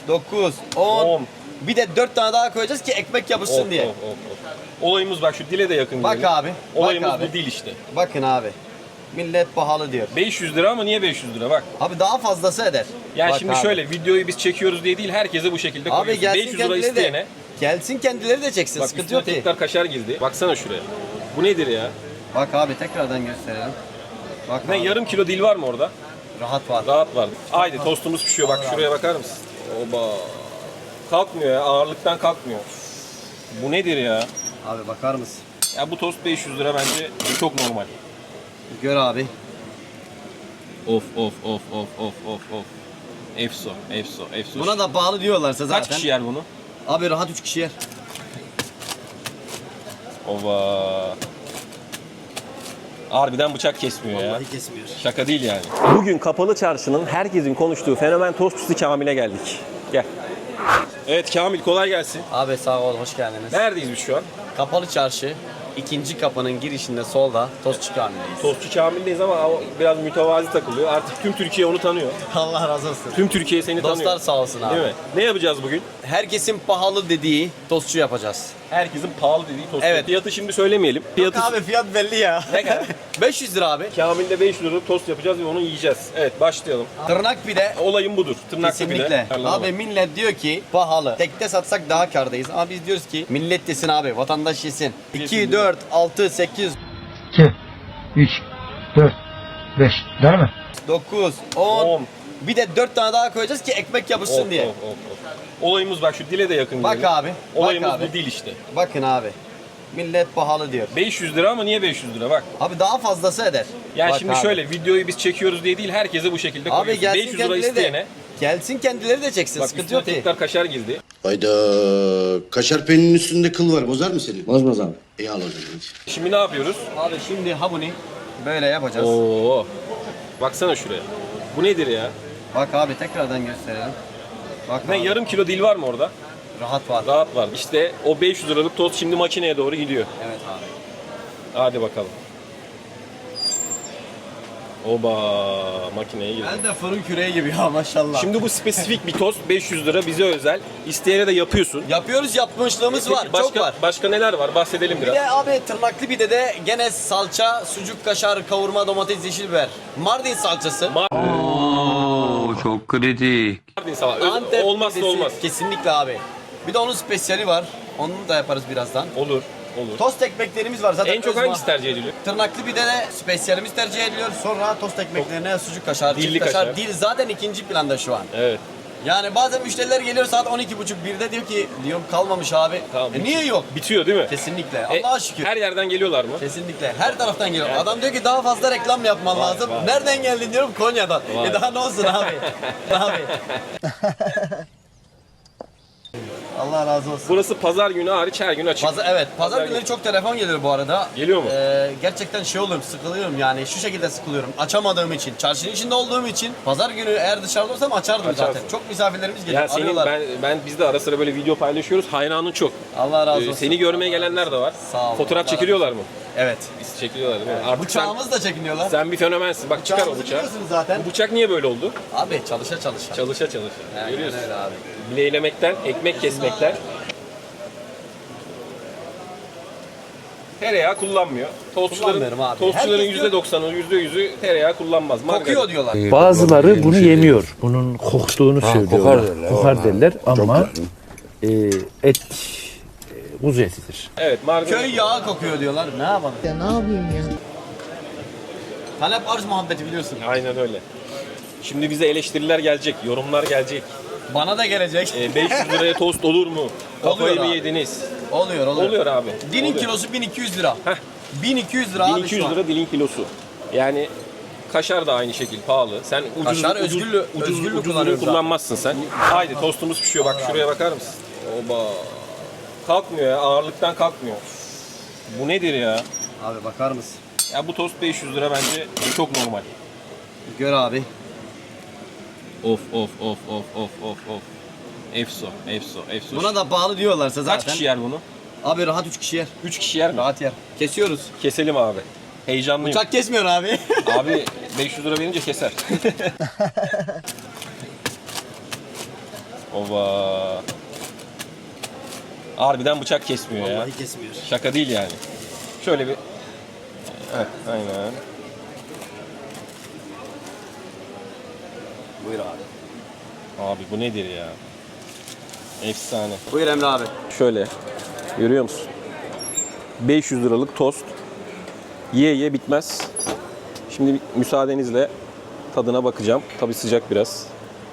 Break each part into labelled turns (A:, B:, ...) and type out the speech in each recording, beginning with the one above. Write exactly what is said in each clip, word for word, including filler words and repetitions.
A: dokuz, on.
B: on.
A: Bir de dört tane daha koyacağız ki ekmek yapışsın
B: Of,
A: diye.
B: of, of, of. Olayımız bak şu dile de yakın.
A: Bak
B: diyelim.
A: abi.
B: Olayımız
A: bak abi.
B: bu dil işte.
A: Bakın abi. Millet pahalı diyor.
B: beş yüz lira ama niye beş yüz lira bak.
A: Abi daha fazlası eder.
B: Yani
A: Bak
B: şimdi
A: abi.
B: şöyle videoyu biz çekiyoruz diye değil herkese bu şekilde
A: Abi
B: koyuyorsun.
A: gelsin
B: beş yüz lira
A: kendileri
B: isteyene.
A: de. Gelsin kendileri de çeksin.
B: Bak
A: Sıkıntı
B: üstüne
A: yok ki.
B: tekrar kaşar girdi. Baksana şuraya. Bu nedir ya?
A: Bak abi tekrardan gösterelim. Bak
B: Ne
A: abi.
B: yarım kilo dil var mı orada?
A: Rahat var.
B: Rahat var. Haydi tostumuz pişiyor. Bak şuraya bakar mısın? Oba. Kalkmıyor ya. Ağırlıktan kalkmıyor. Bu nedir ya?
A: Abi bakar mısın?
B: Ya bu tost beş yüz lira bence çok normal.
A: Gör abi.
B: Of of of of of of of. Efso, efso, efso.
A: Buna da pahalı diyorlarsa zaten.
B: kaç kişi yer bunu?
A: Abi rahat üç kişi yer.
B: Ova. Harbiden bıçak kesmiyor ya.
A: Vallahi kesmiyor.
B: Şaka değil yani. Bugün Kapalı Çarşı'nın herkesin konuştuğu fenomen tostçusu Kamil'e geldik. Gel. Evet Kamil kolay gelsin.
A: Abi sağ ol, hoş geldiniz.
B: Neredeyiz biz şu an?
A: Kapalı Çarşı, ikinci kapının girişinde solda Tostçu Kamil'deyiz.
B: Tostçu Kamil'deyiz ama o biraz mütevazi takılıyor. Artık tüm Türkiye onu tanıyor.
A: Allah razı olsun.
B: Tüm Türkiye seni tanıyor.
A: Dostlar sağ olsun abi.
B: Değil mi? Ne yapacağız bugün?
A: Herkesin pahalı dediği tostçu yapacağız.
B: Herkesin pahalı dediği tost.
A: Evet.
B: Fiyatı şimdi söylemeyelim. Fiyatı
A: Abi fiyat belli ya.
B: ne kadar?
A: beş yüz lira abi.
B: Kamil'de beş yüz liralık tost yapacağız ve onu yiyeceğiz. Evet başlayalım.
A: Tırnak pide.
B: Olayım budur. Tırnaklı
A: Kesinlikle.
B: pide.
A: Abi millet diyor ki pahalı. Tekte satsak daha kârdayız. Ama biz diyoruz ki millet yesin abi. Vatandaş yesin. iki, dört, altı, sekiz,
C: iki, üç, dört, beş. Değil mi?
A: dokuz, on.
B: on.
A: Bir de dört tane daha koyacağız ki ekmek yapışsın
B: Of,
A: diye.
B: of, of, of. Olayımız bak şu dile de yakın.
A: Bak
B: diyelim.
A: abi.
B: Olayımız
A: bak abi.
B: bu dil işte.
A: Bakın abi. Millet pahalı diyor.
B: beş yüz lira ama niye beş yüz lira bak.
A: Abi daha fazlası eder.
B: Yani
A: Bak
B: şimdi
A: abi.
B: şöyle videoyu biz çekiyoruz diye değil herkese bu şekilde
A: Abi
B: koyuyorsun.
A: gelsin
B: beş yüz lira
A: kendileri
B: isteyene.
A: de. Gelsin kendileri de çeksin.
B: Bak
A: Sıkıntı
B: üstüne
A: yok ki.
B: tekrar kaşar girdi.
D: Hayda, kaşar peyninin üstünde kıl var, bozar mı seni?
C: Bozmaz abi.
D: İyi al o zaman.
B: Şimdi ne yapıyoruz?
A: Abi şimdi hamuni böyle yapacağız.
B: Oo. Baksana şuraya. Bu nedir ya?
A: Bak abi tekrardan gösterelim. Bak
B: Ne
A: abi,
B: yarım kilo dil var mı orada?
A: rahat var.
B: Rahat var. İşte o beş yüz liralık tost şimdi makineye doğru gidiyor.
A: Evet abi.
B: Hadi bakalım. Oba makineye girdi.
A: Ben de fırın küreği gibi ya maşallah.
B: Şimdi bu spesifik bir tost beş yüz lira bize özel. İsteyene de yapıyorsun.
A: yapıyoruz, yapmışlığımız var.
B: Başka,
A: Çok var.
B: Başka neler var? Bahsedelim
A: Bir
B: biraz.
A: de abi tırnaklı bir de de gene salça, sucuk, kaşar, kavurma, domates, yeşil biber. Mardin salçası.
E: Çok kritik.
B: Mardin salata. Öz-
A: Antep
B: Olmazsa
A: pidesi.
B: olmaz.
A: Kesinlikle abi. Bir de onun spesiyali var. Onu da yaparız birazdan.
B: Olur. Olur.
A: Tost ekmeklerimiz var zaten.
B: En çok
A: öz
B: hangisi
A: ma-
B: tercih ediliyor?
A: Tırnaklı bir de de spesiyalimiz tercih ediliyor. Sonra tost ekmeklerine sucuk kaşar,
B: Dilli
A: çift kaşar.
B: kaşar.
A: Dil zaten ikinci planda şu an.
B: Evet.
A: Yani bazen müşteriler geliyor saat on iki buçuk birde diyor ki diyorum kalmamış abi.
B: Tamam.
A: E niye yok?
B: Bitiyor değil mi?
A: Kesinlikle.
B: E,
A: Allah'a şükür.
B: Her yerden geliyorlar mı?
A: Kesinlikle. Her taraftan geliyor. Adam diyor ki daha fazla reklam yapman
B: Vay,
A: lazım.
B: vay.
A: Nereden geldin diyorum Konya'dan.
B: Vay.
A: E daha ne olsun abi? abi. Allah razı olsun.
B: Burası pazar günü hariç her gün açık.
A: Pazar, evet, pazar,
B: Pazar
A: günleri
B: günü.
A: çok telefon gelir bu arada.
B: Geliyor mu?
A: Ee, gerçekten şey oluyorum, sıkılıyorum yani şu şekilde sıkılıyorum. Açamadığım için, çarşının içinde olduğum için pazar günü eğer dışarıda olsam açardım
B: Açarsın.
A: zaten. Çok misafirlerimiz geliyor,
B: Ya senin
A: arıyorlar.
B: ben ben biz de ara sıra böyle video paylaşıyoruz. Hayranın çok.
A: Allah razı
B: Ee,
A: olsun.
B: seni görmeye gelenler de var.
A: Sağ ol.
B: Fotoğraf
A: Allah
B: çekiliyorlar mı?
A: Evet.
B: Biz çekiliyorlar değil mi? Artık sen,
A: Bıçağımız da çekiniyorlar.
B: sen bir fenomensin. Bak çıkar o
A: Bıçağımızı
B: bıçağı.
A: biliyorsunuz zaten.
B: Bu bıçak niye böyle oldu?
A: Abi çalışa çalışa.
B: Çalışa çalışa.
A: Aynen
B: Görüyorsun.
A: öyle abi.
B: Bileylemekten, ekmek kesmekten. Tereyağı kullanmıyor. Tostçuların,
A: Kullanmıyorum abi.
B: tostçuların
A: Herkes
B: yüzde
A: diyor-
B: doksanı, yüzde yüzü tereyağı kullanmaz.
A: Kokuyor
B: Margarin.
A: diyorlar.
C: Bazıları bunu yemiyor. Bunun koktuğunu söylüyorlar.
E: kokar derler.
C: Kokar derler ama e, et e, kuzu etidir.
B: Evet, margarin.
A: Köy yağı kokuyor diyorlar. Ne yapalım?
F: Ya ne yapayım ya?
A: Talep arz muhabbeti biliyorsun.
B: Aynen öyle. Şimdi bize eleştiriler gelecek, yorumlar gelecek.
A: Bana da gelecek.
B: E, beş yüz liraya tost olur mu? Kafayı
A: Oluyor
B: mı
A: abi.
B: yediniz?
A: Oluyor oluyor.
B: Oluyor abi.
A: Dilin
B: Oluyor.
A: kilosu bin iki yüz lira.
B: Heh.
A: bin iki yüz lira
B: bin
A: abi
B: iki
A: şu
B: yüz
A: an.
B: lira dilin kilosu. Yani kaşar da aynı şekil pahalı. Sen ucuz
A: Kaşar
B: ucuz,
A: özgürlü-
B: ucuz,
A: özgürlü
B: ucuzunu
A: kullanıyoruz abi.
B: kullanmazsın sen. Haydi tostumuz pişiyor. Bak şuraya bakar mısın? Oba. Kalkmıyor ya. Ağırlıktan kalkmıyor. Bu nedir ya?
A: Abi bakar mısın?
B: Ya bu tost beş yüz lira bence çok normal.
A: Gör abi.
B: Of of of of of of of. Efso, efso, efso.
A: Buna da pahalı diyorlarsa zaten.
B: Kaç kişi yer bunu?
A: Abi rahat üç kişi yer.
B: üç kişi yer mi?
A: Rahat yer. Kesiyoruz.
B: Keselim abi. Heyecanlıyım.
A: Uçak kesmiyor abi.
B: Abi beş yüz lira verince keser. Ova. Harbiden bıçak kesmiyor ya.
A: Vallahi kesmiyor.
B: Şaka değil yani. Şöyle bir... Heh, aynen.
A: Buyur abi.
B: Abi bu nedir ya? Efsane.
A: Buyur Emre abi.
B: Şöyle. Görüyor musun? beş yüz liralık tost. Ye ye bitmez. Şimdi müsaadenizle tadına bakacağım. Tabii sıcak biraz.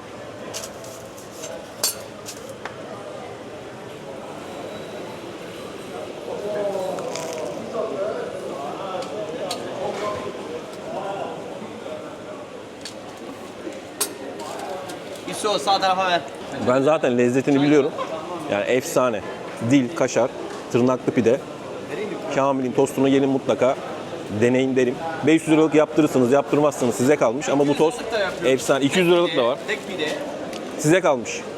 A: İso sağ tarafa ver.
B: Ben zaten lezzetini biliyorum. Yani efsane. Dil, kaşar, tırnaklı pide. Kamil'in tostunu gelin mutlaka deneyin derim. beş yüz liralık yaptırırsınız, yaptırmazsınız size kalmış ama bu tost efsane. iki yüz liralık da var.
A: Tek pide.
B: Size kalmış.